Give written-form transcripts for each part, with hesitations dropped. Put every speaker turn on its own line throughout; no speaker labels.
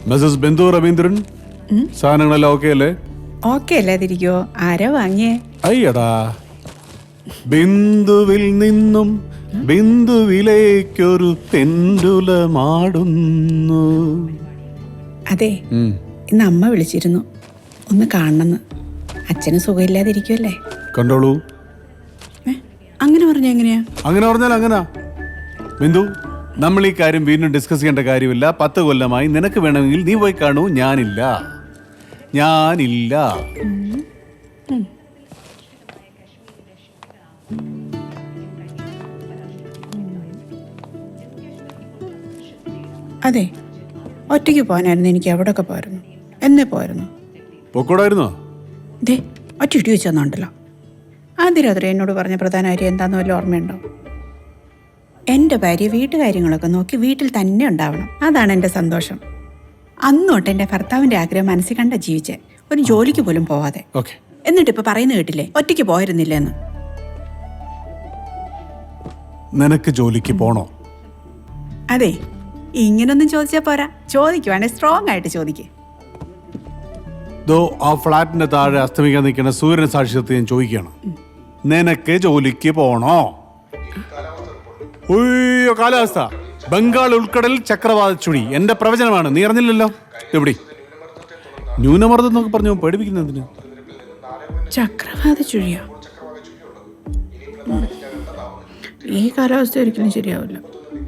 Mrs Bindu Raveendran, സാധനങ്ങളെല്ലാം okay അല്ലേ?
Okay അല്ലാതിരിക്കോ? ആരാ വാങ്ങിയേ?
അയ്യടാ, ബിന്ദുവിൽ നിന്നും ബിന്ദുവിലേക്കൊരു പെൻഡുലമാടുന്നു.
അതെ, ഇന്ന് അമ്മ വിളിച്ചിരുന്നു, ഒന്ന് കാണണമെന്ന്. അച്ഛന് സുഖമില്ലാതിരിക്കുമല്ലേ?
കണ്ടോളൂ.
അങ്ങനെ പറഞ്ഞ എങ്ങനെയാ?
അങ്ങനെ പറഞ്ഞാൽ അങ്ങനാ ബിന്ദു. നമ്മൾ ഈ കാര്യം വീണ്ടും ഡിസ്കസ് ചെയ്യേണ്ട കാര്യമില്ല. 10 കൊല്ലമായി. നിനക്ക് വേണമെങ്കിൽ നീ പോയി കാണൂ. ഞാനില്ല.
അതെ, ഒറ്റയ്ക്ക് പോകാനായിരുന്നു. എനിക്ക് എവിടെയൊക്കെ പോയിരുന്നു. എന്നേ പോയിരുന്നു.
പൊക്കോടായിരുന്നോ?
ദേ, ഒറ്റ ഇടി വെച്ചെന്നുണ്ടല്ലോ. ആദ്യ രാത്രി എന്നോട് പറഞ്ഞ പ്രധാന കാര്യം എന്താണെന്ന് വല്ല ഓർമ്മയുണ്ടോ? എൻ്റെ ഭാര്യ വീട്ടുകാര്യങ്ങളൊക്കെ നോക്കി വീട്ടിൽ തന്നെ ഉണ്ടാവണം. അതാണ് എൻ്റെ സന്തോഷം. അന്നോട്ട് എൻ്റെ ഭർത്താവിൻ്റെ ആഗ്രഹം മനസ്സിൽ കണ്ട ജീവിച്ചേ, ഒരു ജോലിക്ക് പോലും പോവാതെ. എന്നിട്ടിപ്പോൾ പറയുന്ന കേട്ടില്ലേ, ഒറ്റയ്ക്ക് പോയിരുന്നില്ലെന്ന്.
നിനക്ക് ജോലിക്ക് പോണോ?
അതെ, ഇങ്ങനൊന്നും ചോദിച്ചാൽ പോരാ. ചോദിക്കുവാണെ സ്ട്രോങ് ആയിട്ട് ചോദിക്കേ.
ആ ഫ്ലാറ്റിന്റെ താഴെ അസ്തമിക്കാൻ നിൽക്കുന്ന സൂര്യൻ സാക്ഷ്യത്തെ ഞാൻ ചോദിക്കുകയാണ്, നിനക്ക് ജോലിക്ക് പോണോ? ഉയ്യോ, കാലാവസ്ഥ ബംഗാൾ ഉൾക്കടൽ ചക്രവാത ചുഴി. എന്റെ പ്രവചനമാണ്, നീ അറിഞ്ഞില്ലല്ലോ. എവിടെ ന്യൂനമർദ്ദം എന്നൊക്കെ പറഞ്ഞു പേടിപ്പിക്കുന്നതിന്?
ചക്രവാത ചുഴിയോ? ഈ കാലാവസ്ഥ ഒരിക്കലും ശരിയാവില്ല.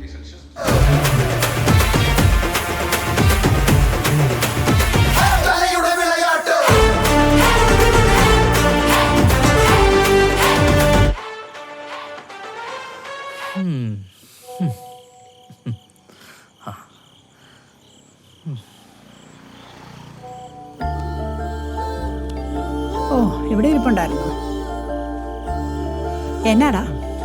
ഓ, ഇവിടെ ഇരിപ്പുണ്ടായിരുന്നു. എന്നാടാ?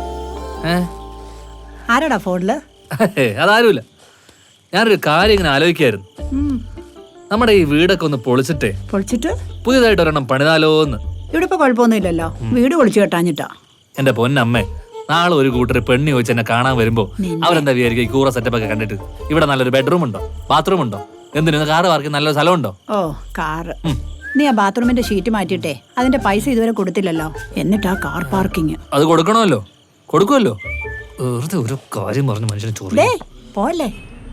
ആരാടാ ഫോണില്?
അതാരുമില്ല. ഞാനൊരു കാര്യം ഇങ്ങനെ ആലോചിക്കായിരുന്നു. നമ്മുടെ ഈ വീടൊക്കെ ഒന്ന് പൊളിച്ചിട്ട് പുതിയതായിട്ട് ഒരെണ്ണം പണിതാലോന്ന്.
ഇവിടെ ഇപ്പൊ കുഴപ്പമൊന്നുമില്ലല്ലോ. വീട് പൊളിച്ചു കെട്ടാഞ്ഞിട്ടാ.
എന്റെ പൊന്നമ്മേ, നാളെ ഒരു കൂട്ടർ പെണ്ണി ചോദിച്ച് എന്നെ കാണാൻ വരുമ്പോ അവരെന്താ വിചാരിക്കും? ഈ കൂറ സെറ്റപ്പ് ഒക്കെ കണ്ടിട്ട് ഇവിടെ നല്ലൊരു ബെഡ്റൂം ഉണ്ടോ, ബാത്റൂം ഉണ്ടോ, എന്തിനു കാറ് പാർക്കിംഗ് നല്ലൊരു സ്ഥലമുണ്ടോ?
ഓ, കാറ്. നീ ആ ബാത്റൂമിന്റെ ഷീറ്റ് മാറ്റിയിട്ടേ അതിന്റെ പൈസ ഇതുവരെ കൊടുത്തില്ലല്ലോ. എന്നിട്ടാ കാർ പാർക്കിങ്.
അത് കൊടുക്കണമല്ലോ, കൊടുക്കുമല്ലോ. വെറുതെ ഒരു കാര്യം പറഞ്ഞു മനുഷ്യനെ ചോറി
പോലെ.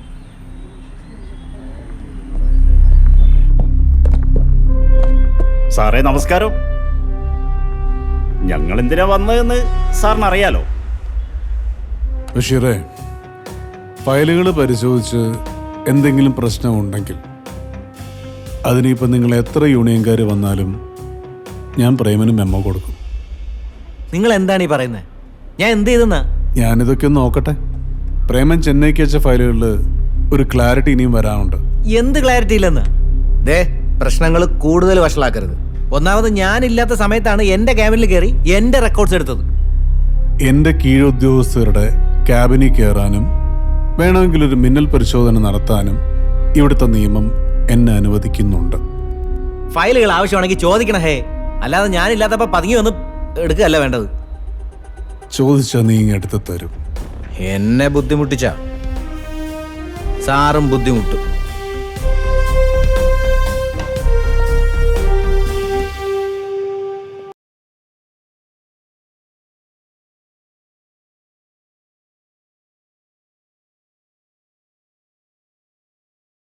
സാറേ നമസ്കാരം. ഞങ്ങൾ എന്തിനാ വന്നതെന്ന് സാറിന് അറിയാലോ.
ബഷീറേ, ഫയലുകൾ പരിശോധിച്ച് എന്തെങ്കിലും പ്രശ്നമുണ്ടെങ്കിൽ അതിനിപ്പോൾ നിങ്ങൾ എത്ര യൂണിയൻകാർ വന്നാലും ഞാൻ പ്രേമന് മെമ്മോ കൊടുക്കും.
നിങ്ങൾ എന്താണ് ഈ പറയുന്നത്? ഞാൻ എന്ത് ചെയ്തെന്നാ?
ഞാനിതൊക്കെ ഒന്ന് നോക്കട്ടെ. പ്രേമൻ ചെന്നൈക്ക് അയച്ച ഫയലുകളിൽ ഒരു ക്ലാരിറ്റി ഇനിയും വരാനുണ്ട്.
എന്ത് ക്ലാരിറ്റി ഇല്ലെന്ന്? ദേ, പ്രശ്നങ്ങൾ കൂടുതൽ വഷളാക്കരുത്. ഒന്നാമത് ഞാനില്ലാത്ത സമയത്താണ് എന്റെ ക്യാബിനിൽ കയറി എന്റെ റെക്കോർഡ്സ് എടുത്തത്.
എൻ്റെ കീഴുദ്യോഗസ്ഥരുടെ ക്യാബിനിൽ കയറാനും വേണമെങ്കിൽ ഒരു മിന്നൽ പരിശോധന നടത്താനും ഇവിടുത്തെ നിയമം എന്നെ അനുവദിക്കുന്നുണ്ട്.
ഫയലുകൾ ആവശ്യമാണെങ്കിൽ ചോദിക്കണം ഹേ, അല്ലാതെ ഞാനില്ലാത്തപ്പോ പതുങ്ങി വന്ന് എടുക്കുകയല്ല വേണ്ടത്.
ചോദിച്ചാൽ നീ ഇങ്ങ് എടുത്ത് തരും.
എന്നെ ബുദ്ധിമുട്ടിച്ച സാറും ബുദ്ധിമുട്ടും.